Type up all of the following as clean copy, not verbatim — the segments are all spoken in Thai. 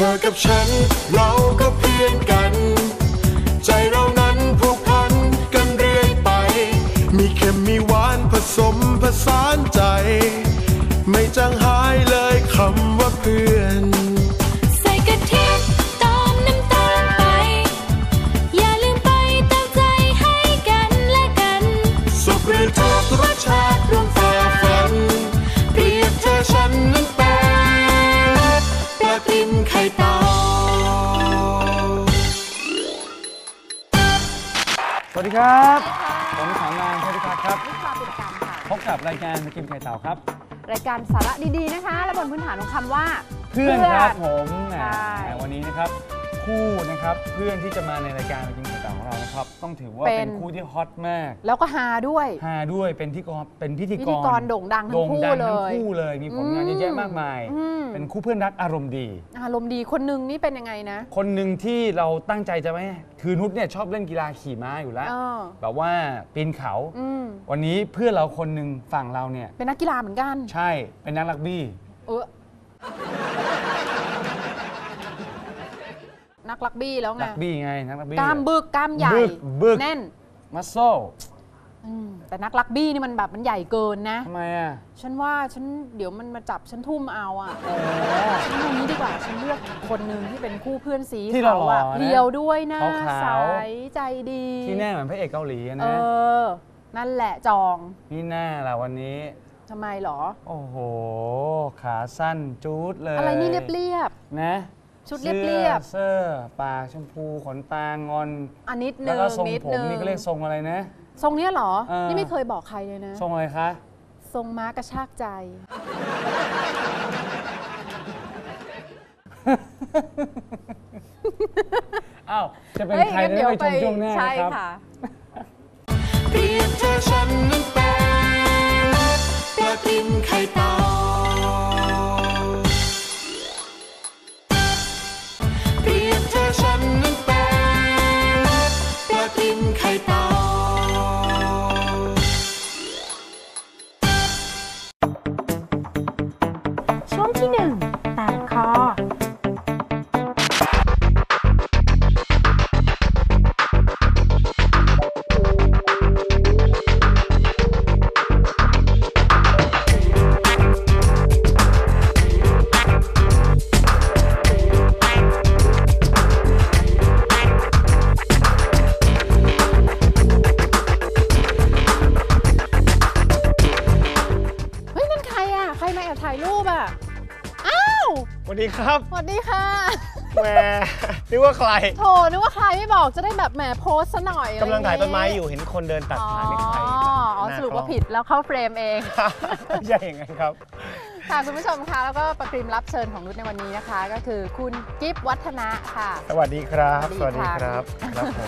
อกับฉันเราก็เพื่อนกันใจเรานั้นผูกพันกันเรื่อยไปมีเค็มมีหวานผสมผสานใจไม่จางหายเลยคำว่าเพื่อนใส่กะทิตามน้ำตาลไปอย่าลืมไปตามใจให้กันและกันสุขหรือทุกข์รสชาติร่วมฝ่าฟันเปรียบเธอฉันนั้นเป็นปลาติมไข่เต่าสวัสดีครับผมสามนายพิพัฒน์ครับพบกับรายการปลาติมไข่เต่าครับรายการสาระดีๆนะคะและบนพื้นฐานของคำว่าเพื่อนครับผมวันนี้นะครับคู่นะครับเพื่อนที่จะมาในรายการปลาติมไข่เต่าของเรานะครับต้องถือว่าเป็นคู่ที่ฮอตมากแล้วก็ฮาด้วยเป็นพิธีกรโด่งดังทั้งคู่เลยมีผลงานเยอะแยะมากมายเป็นคู่เพื่อนรักอารมณ์ดีคนนึงนี่เป็นยังไงนะคนหนึ่งที่เราตั้งใจจะไม่คือนุชเนี่ยชอบเล่นกีฬาขี่ม้าอยู่แล้วแบบว่าปีนเขาวันนี้เพื่อนเราคนหนึ่งฝั่งเราเนี่ยเป็นนักกีฬาเหมือนกันใช่เป็นนักรักบี้นักรักบี้แล้วไงรักบี้ไงนักรักบี้กล้ามบึกกล้ามใหญ่แน่นมัสโซ่แต่นักรักบี้นี่มันแบบมันใหญ่เกินนะทำไมอ่ะฉันว่าเดี๋ยวมันมาจับฉันทุ่มเอาอ่ะฉันเอานี้ดีกว่าฉันเลือกคนหนึ่งที่เป็นคู่เพื่อนสีเขาอ่ะเรียวด้วยนะใสใจดีที่แน่เหมือนพระเอกเกาหลีนะนั่นแหละจองนี่แน่แหละวันนี้ทำไมหรอโอ้โหขาสั้นจู๊ดเลยอะไรนี่เรียบนะชุดเรียบเสื้อปากชมพูขนตางอนนิดนึงแล้วก็ทรงผมนี่ก็เรียกทรงอะไรนะทรงเนี้ยหรอนี่ไม่เคยบอกใครเลยนะทรงอะไรคะทรงม้ากระชากใจอ้าวจะเป็นใครได้ไปชมช่วงหน้าครับเปรียบเธอฉันนั้นเป็นปลาติมไข่เต่าเปรียบเธอฉันนั้นเป็นปลาติมไข่เต่าช่วงที่1แตกคอสวัสดีครับสวัสดีค่ะแหมนึกว่าใครโถนึกว่าใครไม่บอกจะได้แบบแหมโพสซะหน่อยกำลังถ่ายต้นไม้อยู่เห็นคนเดินตัดขาไม่ใครสรุปว่าผิดแล้วเข้าเฟรมเองใช่อย่างนั้นครับค่ะคุณผู้ชมคะแล้วก็ประกรีมรับเชิญของนุชในวันนี้นะคะก็คือคุณกิฟต์วัฒนะค่ะสวัสดีครับสวัสดีครับครับผม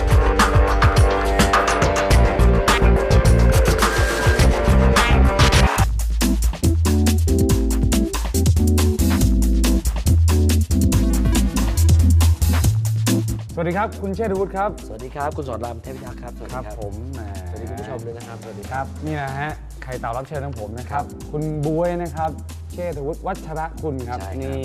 สวัสดีครับคุณเชษฐวุฒิครับสวัสดีครับคุณสอนรามเทพพิทักษ์ครับสวัสดีครับผมสวัสดีคุณผู้ชมด้วยนะครับสวัสดีครับนี่นะฮะไข่เต่ารับเชิญของผมนะครับคุณบ๊วยนะครับเชษฐวุฒิวัชระกุลครับนี่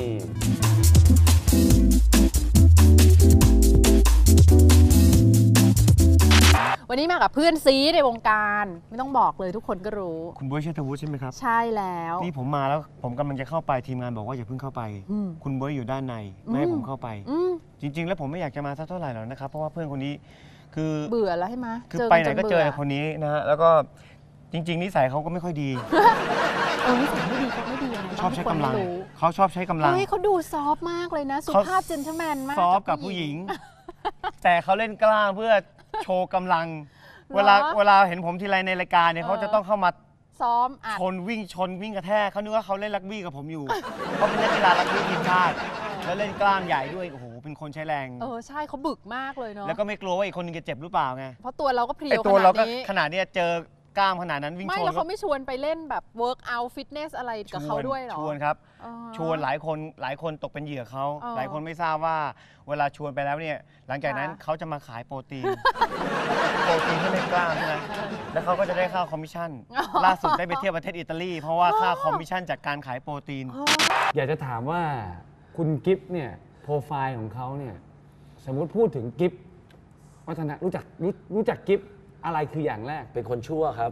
วันนี้มากับเพื่อนซีในวงการไม่ต้องบอกเลยทุกคนก็รู้คุณบ๊วยเชษฐวุฒิใช่ไหมครับใช่แล้วนี่ผมมาแล้วผมกำลังจะเข้าไปทีมงานบอกว่าอย่าเพิ่งเข้าไปคุณบ๊วยอยู่ด้านในไม่ให้ผมเข้าไปจริงๆแล้วผมไม่อยากจะมาสักเท่าไหร่หรอกนะครับเพราะว่าเพื่อนคนนี้คือเบื่อแล้วใช่ไหมคือไปไหนก็เจอคนนี้นะฮะแล้วก็จริงๆนิสัยเขาก็ไม่ค่อยดีนิสัยไม่ดีเขาไม่ดียังไงชอบใช้กำลังเขาชอบใช้กำลังเขาดูซอฟมากเลยนะสุภาพเจนเทลแมนมากซอฟกับผู้หญิงแต่เขาเล่นกล้ามเพื่อโชว์กำลังเวลาเห็นผมทีไรในรายการเนี่ยเขาจะต้องเข้ามาซ้อมชนวิ่งกระแทกเขานึกว่าเขาเล่นรักบี้กับผมอยู่เขาเป็นนักกีฬารักบี้ทีมชาติแล้วเล่นกล้ามใหญ่ด้วยโอ้โหเป็นคนใช้แรงใช่เขาบึกมากเลยเนาะแล้วก็ไม่กลัวว่าอีกคนนึงจะเจ็บหรือเปล่าไงเพราะตัวเราก็เพรียวขนาดนี้เจอกล้ามขนาดนั้นวิ่งชนไม่แล้วเขาไม่ชวนไปเล่นแบบเวิร์กเอาท์ฟิตเนสอะไรกับเขาด้วยหรอชวนครับชวนหลายคนตกเป็นเหยื่อเขาหลายคนไม่ทราบว่าเวลาชวนไปแล้วเนี่ยหลังจากนั้นเขาจะมาขายโปรตีนเพื่อเล่นกล้ามใช่ไหมแล้วเขาก็จะได้ค่าคอมมิชชั่นล่าสุดได้ไปเที่ยวประเทศอิตาลีเพราะว่าค่าคอมมิชชั่นจากการขายโปรตีนอยากจะถามว่าคุณกิฟต์เนี่ยโปรไฟล์ของเขาเนี่ยสมมุติพูดถึงกิฟต์วัฒนะรู้จักกิฟต์อะไรคืออย่างแรกเป็นคนชั่วครับ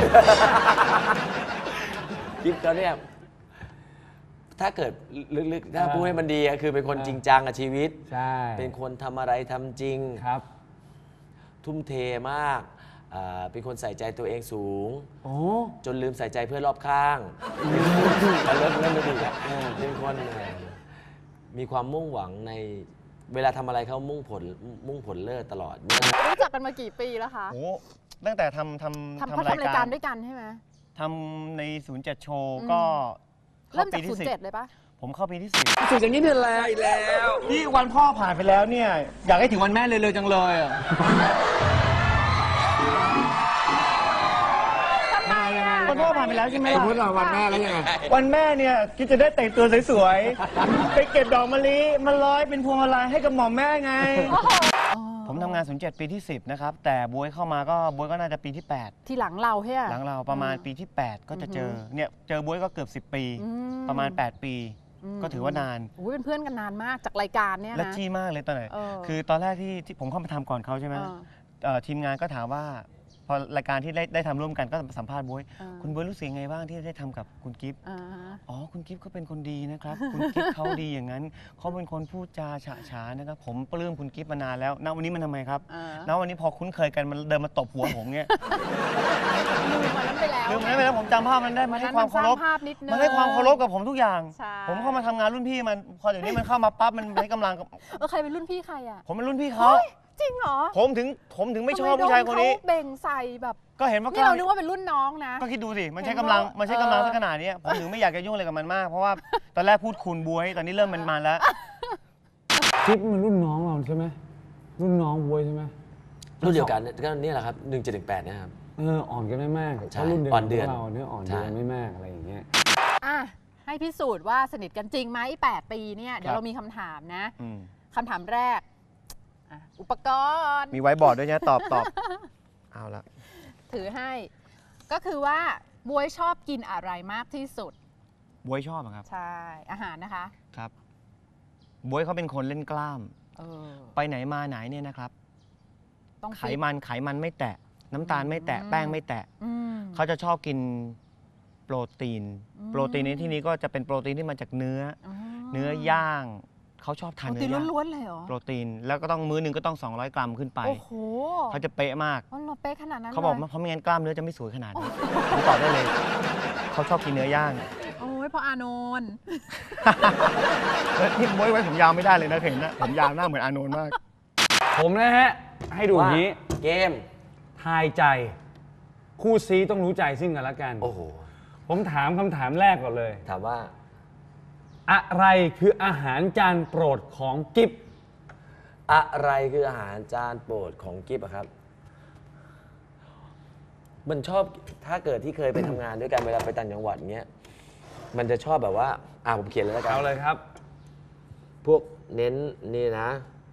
กิฟต์เขาเนี่ยถ้าเกิดลึกๆถ้าพูดให้มันดีคือเป็นคนจริงจังกับชีวิตใช่เป็นคนทำอะไรทำจริงครับทุ่มเทมากเป็นคนใส่ใจตัวเองสูงจนลืมใส่ใจเพื่อนรอบข้างเริ่มไม่ดีแล้วเป็นคนมีความมุ่งหวังในเวลาทำอะไรเขามุ่งผลเลิศตลอดรู้จักกันมากี่ปีแล้วคะโอ้ตั้งแต่ทำรายการด้วยกันใช่ไหมทำใน07 โชว์ก็เริ่มจาก07เลยปะผมเข้าปีที่10ถึงอย่างนี้เป็นแล้วอีกแล้วที่วันพ่อผ่านไปแล้วเนี่ยอยากให้ถึงวันแม่เลยจังเลยอ่ะวันพ่อผ่านไปแล้วใช่ไหมล่ะวันแม่แล้วยังไงวันแม่เนี่ยกิ๊บจะได้แต่งตัวสวยๆไปเก็บดอกมะลิมาร้อยเป็นพวงมาลัยให้กับหม่อมแม่ไงผมทำงาน07 ปีที่10นะครับแต่บ๊วยเข้ามาก็บ๊วยก็น่าจะปีที่8 ที่หลังเราใช่ไหมหลังเราประมาณปีที่8ก็จะเจอเนี่ยเจอบ๊วยก็เกือบ10 ปีประมาณ8 ปีก็ถือว่านานเป็นเพื่อนกันนานมากจากรายการเนี่ยนะและจี้มากเลยตอนไหนคือตอนแรกที่ผมเข้ามาทำก่อนเขาใช่ไหมทีมงานก็ถามว่าพอรายการที่ได้ทำร่วมกันก็สัมภาษณ์บ๊วยคุณบ๊วยรู้สึกยังไงบ้างที่ได้ทำกับคุณกิฟต์อ๋อคุณกิฟต์เขาเป็นคนดีนะครับคุณกิฟต์เขาดีอย่างนั้นเขาเป็นคนพูดจาฉะฉานนะครับผมปลื้มคุณกิฟต์มานานแล้วณวันนี้มันทำไมครับณวันนี้พอคุ้นเคยกันมันเดินมาตบหัวผมเนี่ยลืมมันนั้นไปแล้วผมจำภาพมันได้มันให้ความเคารพมันให้ความเคารพกับผมทุกอย่างผมเข้ามาทำงานรุ่นพี่มันพอเดี๋ยวนี้มันเข้ามาปั๊บมันให้กำลังใครเป็นรุ่นพี่ใครอ่ะผมเป็นรุ่นพี่เขาจริงเหรอผมถึงไม่ชอบผู้ชายคนนี้เบ่งใส่แบบก็เห็นว่านี่เรานึกว่าเป็นรุ่นน้องนะก็คิดดูสิมันใช้กำลังสักขนาดนี้ผมถึงไม่อยากจะยุ่งอะไรกับมันมากเพราะว่าตอนแรกพูดคุณบ๊วยตอนนี้เริ่มมันแล้วกิ๊บมันรุ่นน้องเราใช่ไหมรุ่นน้องบ๊วยใช่ไหมรุ่นเดียวกันก็นี่แหละครับ1718นะครับอ่อนกันไม่มากใช่รุ่นเดียวกันเราเนี่ยอ่อนกันไม่มากอะไรอย่างเงี้ยให้พิสูจน์ว่าสนิทกันจริงไหม8 ปีเนี่ยเดี๋ยวเรามีคำถามนะคำถามแรกอุปกรณ์มีไว้บอร์ดด้วยนะตอบเอาละถือให้ก็คือว่าบ๊วยชอบกินอะไรมากที่สุดบ๊วยชอบครับใช่อาหารนะคะครับบ๊วยเขาเป็นคนเล่นกล้ามไปไหนมาไหนเนี่ยนะครับไขมันไม่แตะน้ำตาลไม่แตะแป้งไม่แตะเขาจะชอบกินโปรตีนในที่นี้ก็จะเป็นโปรตีนที่มาจากเนื้อย่างเขาชอบทานเนื้อย่างล้วนๆเลยเหรอโปรตีนแล้วก็ต้องมื้อนึงก็ต้อง200 กรัมขึ้นไปโอ้โหเขาจะเป๊ะมากเป๊ะขนาดนั้นเขาบอกเพราะไม่งั้นกล้ามเนื้อจะไม่สวยขนาดนี้ผมตอบได้เลยเขาชอบกินเนื้อย่างโอ้ยพออานนท์ที่บ๊วยไว้ผมยาวไม่ได้เลยนะเห็นนะผมยาวหน้าเหมือนอานนท์มากผมนะฮะให้ดูนี้เกมทายใจคู่ซีต้องรู้ใจซึ่งกันและกันโอ้โหผมถามคำถามแรกก่อนเลยถามว่าอะไรคืออาหารจานโปรดของกิฟต์อะไรคืออาหารจานโปรดของกิฟต์ครับมันชอบถ้าเกิดที่เคยไปทำงานด้วยกันเวลาไปต่างจังหวัดเงี้ยมันจะชอบแบบว่าผมเขียนเลยแล้วกันเอาเลยครับพวกเน้นนี่นะ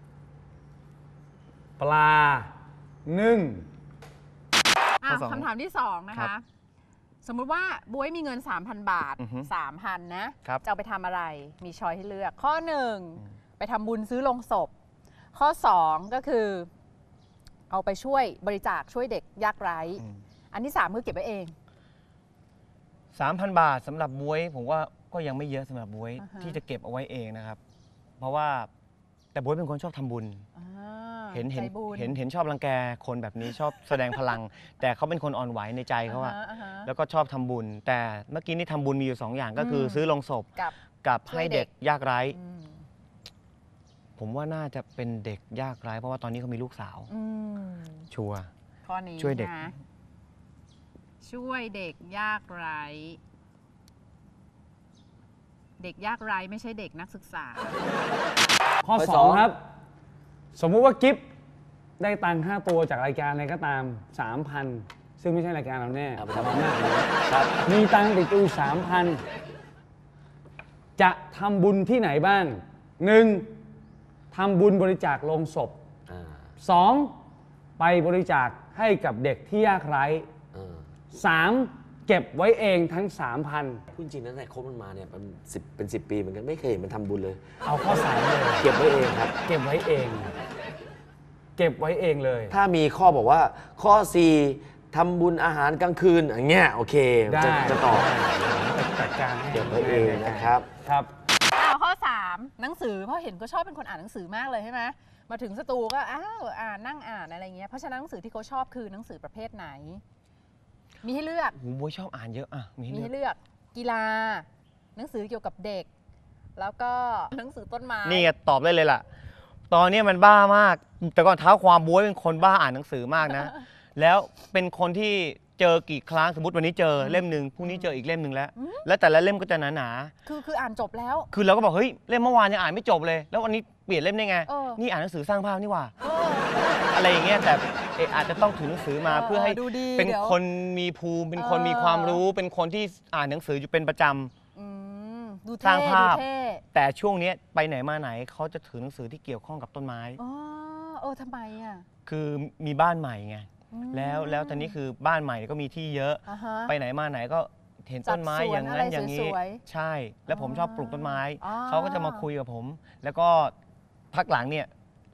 ปลานึ่งคำถามที่2นะคะสมมุติว่าบ๊วยมีเงิน 3,000 บาท 3,000 นะจะเอาไปทำอะไรมีช้อยให้เลือกข้อ1ไปทำบุญซื้อโลงศพข้อ2ก็คือเอาไปช่วยบริจาคช่วยเด็กยากไร้อันที่3คือเก็บไว้เอง 3,000 บาทสำหรับบ๊วยผมว่าก็ยังไม่เยอะสำหรับบ๊วยที่จะเก็บเอาไว้เองนะครับเพราะว่าแต่บ๊วยเป็นคนชอบทำบุญเห็นชอบรังแกคนแบบนี้ชอบแสดงพลังแต่เขาเป็นคนอ่อนไหวในใจเขาอะแล้วก็ชอบทำบุญแต่เมื่อกี้นี่ทำบุญมีอยู่2 อย่างก็คือซื้อโลงศพกับให้เด็กยากไร้ผมว่าน่าจะเป็นเด็กยากไร้เพราะว่าตอนนี้เขามีลูกสาวชัวร์ข้อนี้ช่วยเด็กช่วยเด็กยากไร้เด็กยากไร้ไม่ใช่เด็กนักศึกษาข้อ2ครับสมมุติว่ากิฟต์ได้ตังค์ค่าตัวจากรายการอะไรก็ตาม 3,000 ซึ่งไม่ใช่รายการเราแน่แต่เราหน้าครับมีตังค์ติดตัว 3,000 จะทำบุญที่ไหนบ้าง 1. ทำบุญบริจาคโลงศพ 2. ไปบริจาคให้กับเด็กที่ยากไร้ 3. เก็บไว้เองทั้ง 3,000 พูดจริงนะแต่คบมันมาเนี่ยเป็น 10 ปีเหมือนกันไม่เคยเห็นมันทำบุญเลยเอาข้อ3เลยเก็บไว้เองครับเก็บไว้เอง เก็บไว้เองเลยถ้ามีข้อบอกว่าข้อ 4ทำบุญอาหารกลางคืนอย่างเงี้ยโอเคได้จะตอบจัดการให้เก็บไว้เองนะครับครับข้อ 3 หนังสือเพราะเห็นก็ชอบเป็นคนอ่านหนังสือมากเลยใช่ไหมมาถึงสตูก็นั่งอ่านอะไรเงี้ยเพราะฉะนั้นหนังสือที่เขาชอบคือหนังสือประเภทไหน มีให้เลือกบ๊วยชอบอ่านเยอะอ่ะมีมีให้ให้เลือกเลือกกีฬา หนังสือเกี่ยวกับเด็ก แล้วก็หนังสือต้นไม้นี่ไงตอบได้เลยล่ะ ตอนนี้มันบ้ามาก แต่ก่อนเท้าความบ๊วยเป็นคนบ้าอ่านหนังสือมากนะ แล้วเป็นคนที่เจอกี่ครั้งสมมติวันนี้เจอเล่มหนึ่งพรุ่งนี้เจออีกเล่มหนึ่งแล้วแต่ละเล่มก็จะหนาคืออ่านจบแล้วๆคือเราก็บอกเฮ้ยเล่มเมื่อวานยังอ่านไม่จบเลย แล้ววันนี้เปลี่ยนเล่มได้ไงเออนี่อ่านหนังสือสร้างภาพนี่หว่า อะไรอย่างเงี้ยแต่อาจจะต้องถือหนังสือมาเพื่อให้ดูดีเป็นดี๋ยวคนมีภูมิเป็นคนมีความรู้ เป็นคนที่อ่านหนังสืออยู่เป็นประจำดูสร้างภาพดูเท่แต่ช่วงนี้ไปไหนมาไหนเขาจะถือหนังสือที่เกี่ยวข้องกับต้นไม้ทำไมอ่ะคือมีบ้านใหม่ไงแล้วตอนนี้คือบ้านใหม่ก็มีที่เยอะอ่าฮะไปไหนมาไหนก็เห็นต้นไม้จัดสวนอย่างนั้นอะไรอย่างนี้สวยๆใช่ แล้วผมชอบปลูกต้นไม้อ๋อเขาก็จะมาคุยกับผม แล้วก็พักหลังเนี่ย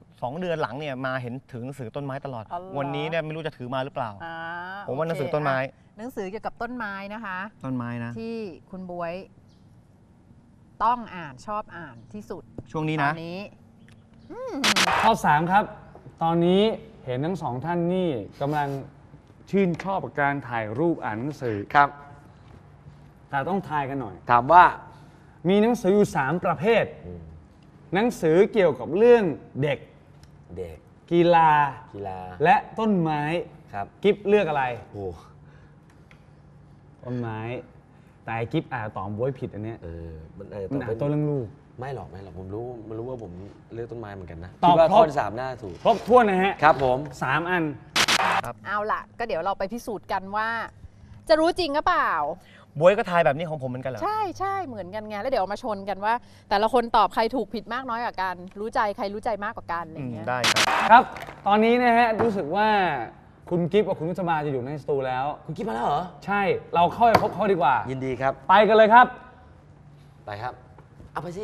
2 เดือนหลังเนี่ยมาเห็นถือหนังสือต้นไม้ตลอดอ๋อเหรอวันนี้เนี่ยไม่รู้จะถือมาหรือเปล่าอ่าผมว่าหนังสือโเคต้นไม้หนังสือเกี่ยวกับต้นไม้นะคะต้นไม้นะที่คุณบ๊วยต้องอ่านชอบอ่านที่สุดช่วงนี้ตนะอนนี้ข้อ 3 ครับ ตอนนี้เห็นทั้ง 2 ท่านนี่กำลังชื่นชอบกับการถ่ายรูปอ่านหนังสือครับแต่ต้องทายกันหน่อยถามว่ามีหนังสืออยู่ 3 ประเภท หนังสือเกี่ยวกับเรื่องเด็กเด็กกีฬากีฬาและต้นไม้ครับกิฟเลือกอะไรโอ้ต้นไม้ แต่ไอ้กิฟตอบบ๊วยผิดอันเนี้ยมันมันอ่านต้นเรื่องลูกไม่หรอกผมรู้ว่าผมเลือกต้นไม้เหมือนกันนะตอบคิดว่าครบข้อที่ 3น่าถูกครบถ้วนนะฮะครับผม 3 อันเอาล่ะ ก็เดี๋ยวเราไปพิสูจน์กันว่า จะรู้จริงหรือเปล่าบวยก็ทายแบบนี้ของผมเหมือนกันเหรอใช่เหมือนกันไงแล้วเดี๋ยวมาชนกันว่า แต่ละคนตอบใครถูกผิดมากน้อยกว่ากัน รู้ใจใครรู้ใจมากกว่ากันอะไรอย่างเงี้ยได้ครับครับ ตอนนี้นะฮะรู้สึกว่าคุณกิฟกับคุณนุชมาจะอยู่ในสตูแล้วคุณคิดมาแล้วเหรอใช่ เราเข้าไปพบเขาดีกว่ายินดีครับไปกันเลยครับไปครับ เอาไปสิ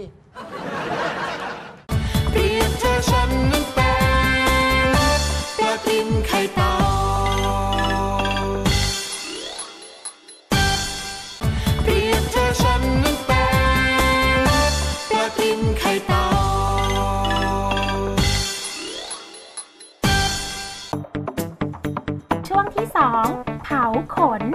เปรียบเธอฉันนั้นเป็นปลากินไข่เต่าเปรียบเธอฉันนั้นเป็นปลากินไข่เต่าช่วงที่ 2 เผาขน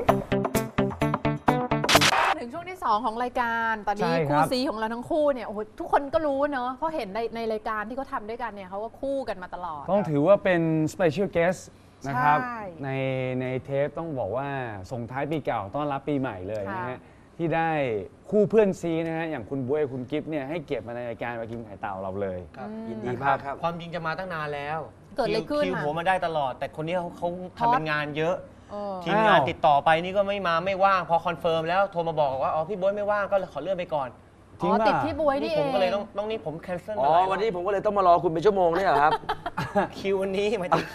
ถึงช่วงที่ 2 ของรายการตอนนี้ใช่ครับคู่ซีของเราทั้งคู่เนี่ยโอ้โหทุกคนก็รู้เนอะเพราะเห็นในรายการที่เขาทำด้วยกันเนี่ยเขาก็คู่กันมาตลอดต้องถือว่าเป็น Special Guest นะครับใช่ในเทปต้องบอกว่าส่งท้ายปีเก่าต้อนรับปีใหม่เลยนะค่ะฮะที่ได้คู่เพื่อนซีนะฮะอย่างคุณบ๊วยคุณกิฟเนี่ยให้เกียรติมาในรายการมากินไข่เต่าเราเลยยินดีมากครับความจริงจะมาตั้งนานแล้วเกิดอะไรขึ้นคิวอะผมมาได้ตลอด แต่คนนี้เขาทำเป็นงานเยอะเออทีมงานอ้าวติดต่อไปนี่ก็ไม่มาไม่ว่างพอคอนเฟิร์มแล้วโทรมาบอกว่าอ๋อพี่บ๊วยไม่ว่างก็เลยขอเลื่อนไปก่อนจริงป่ะติดที่บวยนี่เอผงมก็เลยต้องนี่ผมแคนเซิลอ๋อ วันนี้ผมก็เลยต้องมารอคุณเป็นชั่วโมงเนี่ยเหรอครับคิววันนี้หมายถึง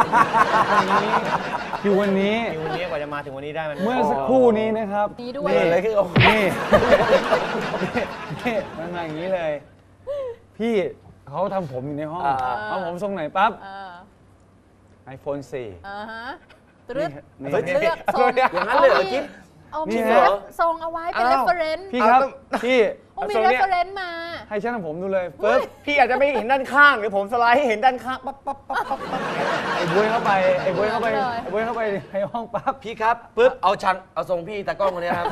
คิววันนี้คิววันนี้กว่าจะมาถึงวันนี้ได้มันเมื่อสักครู่นี้นะครับนี้ด้วยนี่อะไรขึ้นนี่นี่มันมาอย่างนี้เลย พี่เขาทำผมอยู่ในห้องเอาผมทรงไหนปั๊บ iPhone 4 ฮะตรึดนี่เลือกทรงอย่างนั้นเลยเหรอกิ๊บเอานี่มีเหรอทรงเอาไว้เป็น reference พี่ครับ พี่โอ้มีทรงเนี้ย reference มาให้ช่างทำผมดูเลยปึ๊บพี่อาจจะไม่เห็นด้านข้างหรือผมสไลด์ให้เห็นด้านข้างปั๊บปั๊บปั๊บปั๊บปั๊บไอ้บุ้ยเข้าไปไอ้บุ้ยเข้าไปเลยไอ้บุ้ยเข้าไปในห้องปั๊บพี่ครับปึ๊บเอาทรงพี่ตากล้องคนนี้ครับ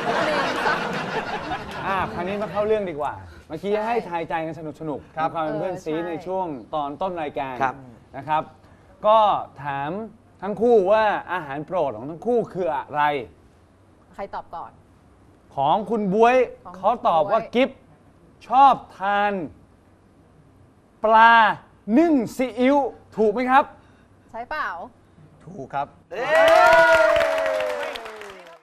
คราวนี้มาเข้าเรื่องดีกว่า เมื่อกี้ให้ทายใจกันสนุกๆมีความเป็นเพื่อนซีในช่วงตอนต้นรายการครับนะครับ ก็ถามทั้งคู่ว่าอาหารโปรดของทั้งคู่คืออะไรใครตอบก่อนของคุณบ๊วยของเขาตอบว่าบ๊วยกิฟชอบทาน ปลานึ่งซีอิ๊วถูกไหมครับใช่เปล่าถูกครับเอ้ย